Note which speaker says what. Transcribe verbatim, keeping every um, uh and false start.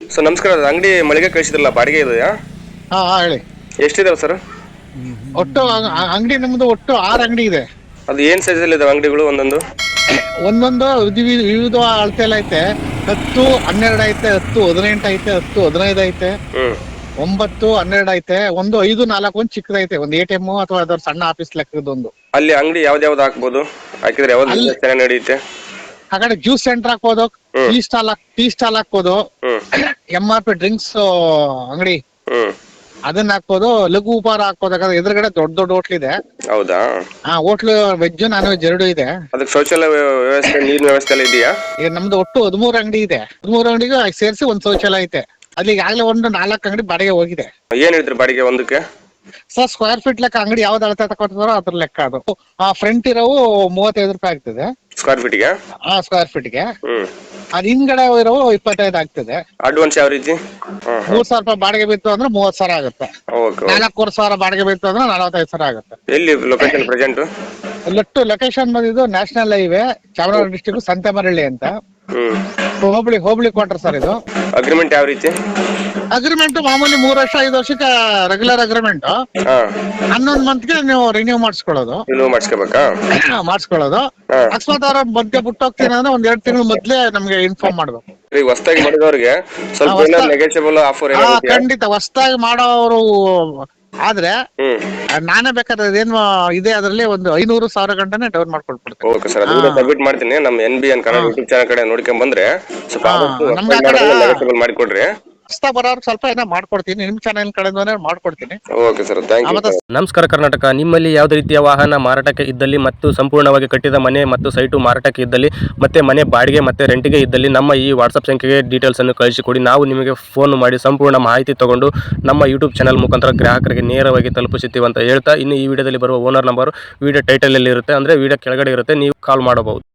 Speaker 1: Sir ನಮಸ್ಕಾರ, ಅದು ಅಂಗಡಿ ಮಳಿಗೆ ಕಳಿಸಿದ್ರಲ್ಲ, ಬಾಡಿಗೆ ಇದೆಯಾ?
Speaker 2: ಹಾ ಹಾ ಹೇಳಿ.
Speaker 1: ಎಷ್ಟಿದಾವೆ ಸರ್?
Speaker 2: ಒಟ್ಟು ಅಂಗಡಿ ನಮ್ದು ಒಟ್ಟು ಆರು ಅಂಗಡಿ ಇದೆ.
Speaker 1: ಅದು ಏನ್ ಸೈಜ್ ಅಲ್ಲಿ ಇದಾವೆ ಅಂಗಡಿಗಳು? ಒಂದೊಂದು
Speaker 2: ಒಂದೊಂದು ವಿಧ- ವಿವಿಧ ಅಳತೆ ಎಲ್ಲ ಐತೆ. ಹತ್ತು ಹನ್ನೆರಡು ಐತೆ, ಹತ್ತು ಹದಿನೆಂಟು ಐತೆ, ಹತ್ತು ಹದಿನೈದು ಐತೆ,
Speaker 1: ಹ್ಮ್
Speaker 2: ಒಂಬತ್ತು ಹನ್ನೆರಡು ಐತೆ, ಒಂದು ಐದು ನಾಲ್ಕು ಒಂದು ಚಿಕ್ಕದೈತೆ, ಒಂದು ಎ ಟಿ ಎಂ ಅಥವಾ ಅದರ ಸಣ್ಣ ಆಫೀಸ್ ಲೆಕ್ಕದೊಂದು.
Speaker 1: ಅಲ್ಲಿ ಅಂಗಡಿ ಯಾವ್ದು ಯಾವ್ದು ಹಾಕ್ಬೋದು? ಹಾಕಿದ್ರೆ ಯಾವ್ದು
Speaker 2: ಅಲ್ಲಿ-
Speaker 1: business ಚೆನ್ನಾಗಿ ನಡೆಯುತ್ತೆ?
Speaker 2: ಆ ಕಡೆ ಜ್ಯೂಸ್ ಸೆಂಟರ್ ಹಾಕ್ಬೋದು,
Speaker 1: ಹ್ಮ್.
Speaker 2: ಟೀ ಸ್ಟಾಲ್ ಟೀ ಸ್ಟಾಲ್ ಹಾಕ್ಬೋದು,
Speaker 1: ಹ್ಮ್
Speaker 2: ಎಂ ಆರ್ ಪಿ ಡ್ರಿಂಕ್ಸ್ ಅಂಗಡಿ
Speaker 1: ಹ್ಮ್
Speaker 2: ಅದನ್ನ ಹಾಕ್ಬೋದು, ಲಘು ಉಪಹಾರ ಹಾಕ್ಬೋದು. ಯಾಕಂದ್ರೆ ಎದುರುಗಡೆ ದೊಡ್ಡ ದೊಡ್ಡ ಹೋಟ್ಲ್ ಇದೆ.
Speaker 1: ಹೌದಾ?
Speaker 2: ಆ ಹೋಟ್ಲು ವೆಜ್ ನಾನ್ ವೆಜ್ ಎರಡು ಇದೆ.
Speaker 1: ಅದಕ್ಕೆ ಶೌಚಾಲಯ ವ್ಯವಸ್ಥೆ, ನೀರಿನ ವ್ಯವಸ್ಥೆ ಎಲ್ಲ ಇದೆಯಾ?
Speaker 2: ಈಗ ನಮ್ದು ಒಟ್ಟು ಹದಿಮೂರು ಅಂಗಡಿ ಇದೆ. ಹದಿಮೂರು ಅಂಗಡಿಗೂ ಸೇರಿಸಿ ಒಂದ್ ಶೌಚಾಲಯ ಐತೆ. ಅಲ್ಲಿ ಈಗಾಗಲೇ ಒಂದು ನಾಲ್ಕು ಅಂಗಡಿ ಬಾಡಿಗೆ ಹೋಗಿದೆ.
Speaker 1: ಏನ್ ಹೇಳ್ತೀರಿ ಬಾಡಿಗೆ ಒಂದಕ್ಕೆ?
Speaker 2: ಸರ್ ಸ್ಕ್ವೇರ್ ಫೀಟ್ ಲೆಕ್ಕ ಅಂಗಡಿ ಯಾವ್ದು ಅಳತೆ ತಗೊತಾರೋ ಅದ್ರ ಲೆಕ್ಕ ಅದು. ಆ ಫ್ರಂಟ್ ಇರೋವು ಮೂವತ್ತೈದು ರೂಪಾಯಿ ಆಗ್ತದೆ
Speaker 1: ಸ್ಕ್ವೇರ್ ಫೀಟ್ಗೆ?
Speaker 2: ಆ ಸ್ಕ್ವೇರ್ ಫೀಟ್ಗೆ.
Speaker 1: ಹ್ಮ್
Speaker 2: ಅದ್ ಹಿಂದ್ಗಡೆ ಇರೋವು ಇಪ್ಪತ್ತೈದು ಆಗ್ತದೆ.
Speaker 1: ಅಡ್ವಾನ್ಸ್ ಯಾವ ರೀತಿ?
Speaker 2: ಮೂರ್ ಸಾವಿರ ರೂಪಾಯಿ ಬಾಡಿಗೆ ಬಿತ್ತು ಅಂದ್ರೆ ಮೂವತ್ ಸಾವಿರ ಆಗುತ್ತೆ.
Speaker 1: ಓಕೆ.
Speaker 2: ನಾಲ್ಕೂವರೆ ಸಾವಿರ ಬಾಡಿಗೆ ಬಿತ್ತು ಅಂದ್ರೆ ನಲವತ್ತೈದು ಸಾವಿರ ಆಗುತ್ತೆ.
Speaker 1: ಎಲ್ಲಿ ಲೊಕೇಶನ್ ಪ್ರೆಸೆಂಟ್?
Speaker 2: ಲೊಟ್ಟು ಲೊಕೇಶನ್ ಬಂದಿದ್ದು national highway Chamarajanagar district Santemaralli ಅಂತ.
Speaker 1: ಹ್ಮ್
Speaker 2: ಹೋಬಳಿ ಹೋಬಳಿ ಕ್ವಾರ್ಟರ್ ಸರ್ ಇದು.
Speaker 1: ಅಗ್ರಿಮೆಂಟ್ ಯಾವ ರೀತಿ?
Speaker 2: ಅಗ್ರಿಮೆಂಟ್ ಮಾಮೂಲಿ ಮೂರ್ ವರ್ಷ ಐದು ವರ್ಷಕ್ಕೆ ರೆಗ್ಯುಲರ್ ಅಗ್ರಿಮೆಂಟ್.
Speaker 1: ಹಾ,
Speaker 2: ಹನ್ನೊಂದು ಮಂತ್ಗೆ ನೀವು ರಿನ್ಯೂ ಮಾಡಿಸ್ಕೊಳ್ಳೋದು.
Speaker 1: ನೀವು ಮಾಡಿಸ್ಕೋಬೇಕಾ?
Speaker 2: ಮಾಡಿಸ್ಕೊಳ್ಳೋದು.
Speaker 1: ಹಾ.
Speaker 2: ಅಕಸ್ಮಾತ್ ಅವ್ರ ಮಧ್ಯೆ ಬಿಟ್ಟು ಹೋಗ್ತೀನಿ ಅಂದ್ರೆ ಒಂದ್ ಎರಡು ತಿಂಗಳು ಮೊದ್ಲೇ ನಮ್ಗೆ ಇನ್ಫಾರ್ಮ್ ಮಾಡ್ಬೇಕು.
Speaker 1: ಈಗ ಹೊಸದಾಗಿ ಮಾಡಿದವ್ರಿಗೆ ಸ್ವಲ್ಪ
Speaker 2: ಹೊಸ್ದಾಗಿ-
Speaker 1: ಏನಾದ್ರು ನೆಗೆಟಿಬಲ್ ಆಫರ್
Speaker 2: ಆ,
Speaker 1: ಏನಾದ್ರು ಇದೆಯಾ?
Speaker 2: ಖಂಡಿತ ಹೊಸ್ದಾಗಿ ಮಾಡೋರು ಆದ್ರೆ
Speaker 1: ಹ್ಮ್
Speaker 2: ಆ, ನಾನೇ ಬೇಕಾದ್ರೆ ಅದೇನು ಇದೆ ಅದ್ರಲ್ಲಿ ಒಂದು ಐನೂರು ಸಾವಿರ ಗಂಟನೆ ಡೌನ್ ಮಾಡ್ಕೊಳ್ಬಿಡ್ತೀನಿ.
Speaker 1: ಓಕೆ ಸರ್, ಅದನ್ನ ಸಬ್ಮಿಟ್ ಮಾಡ್ತೀನಿ. ನಮ್ಮ N B N Kannada YouTube channel ಕಡೆ ನೋಡ್ಕೊಂಡ್ ಬಂದ್ರೆ ಸ್ವಲ್ಪ
Speaker 2: ಹಾ,
Speaker 1: ಆದಷ್ಟು
Speaker 2: ನಮ್ಗೆ ಆ ಕಡೆ-
Speaker 1: ನೆಗೆಟಿಬಲ್ ಮಾಡಿಕೊಡ್ರಿ.
Speaker 2: ಹೊಸ್ದಾಗಿ ಬರೋರು ಸ್ವಲ್ಪ ಏನೋ ಮಾಡ್ಕೊಡ್ತೀನಿ, ನಿಮ್ ಚಾನೆಲ್ ಕಡೆಯಿಂದನೇ ಮಾಡ್ಕೊಡ್ತೀನಿ.
Speaker 1: Okay sir, thank you.
Speaker 2: ಮತ್ತೆ
Speaker 3: ನಮಸ್ಕಾರ ಕರ್ನಾಟಕ. ನಿಮ್ಮಲ್ಲಿ ಯಾವುದೇ ರೀತಿಯ ವಾಹನ ಮಾರಾಟಕ್ಕೆ ಇದ್ದಲ್ಲಿ ಮತ್ತು ಸಂಪೂರ್ಣವಾಗಿ ಕಟ್ಟಿದ ಮನೆ ಮತ್ತು ಸೈಟು ಮಾರಾಟಕ್ಕೆ ಇದ್ದಲ್ಲಿ ಮತ್ತೆ ಮನೆ ಬಾಡಿಗೆ ಮತ್ತು ರೆಂಟಿಗೆ ಇದ್ದಲ್ಲಿ ನಮ್ಮ ಈ ವಾಟ್ಸಪ್ ಸಂಖ್ಯೆಗೆ ಡೀಟೇಲ್ಸನ್ನು ಕಳಿಸಿಕೊಡಿ. ನಾವು ನಿಮಗೆ ಫೋನ್ ಮಾಡಿ ಸಂಪೂರ್ಣ ಮಾಹಿತಿ ತಗೊಂಡು ನಮ್ಮ ಯೂಟ್ಯೂಬ್ ಚಾನಲ್ ಮುಖಾಂತರ ಗ್ರಾಹಕರಿಗೆ ನೇರವಾಗಿ ತಲುಪಿಸುತ್ತೀವಿ ಅಂತ ಹೇಳ್ತಾ, ಇನ್ನು ಈ ವಿಡಿಯೋದಲ್ಲಿ ಬರುವ ಓನರ್ ನಂಬರ್ ವಿಡಿಯೋ ಟೈಟಲಲ್ಲಿ ಇರುತ್ತೆ, ಅಂದರೆ ವಿಡಿಯೋ ಕೆಳಗಡೆ ಇರುತ್ತೆ, ನೀವು ಕಾಲ್ ಮಾಡಬಹುದು.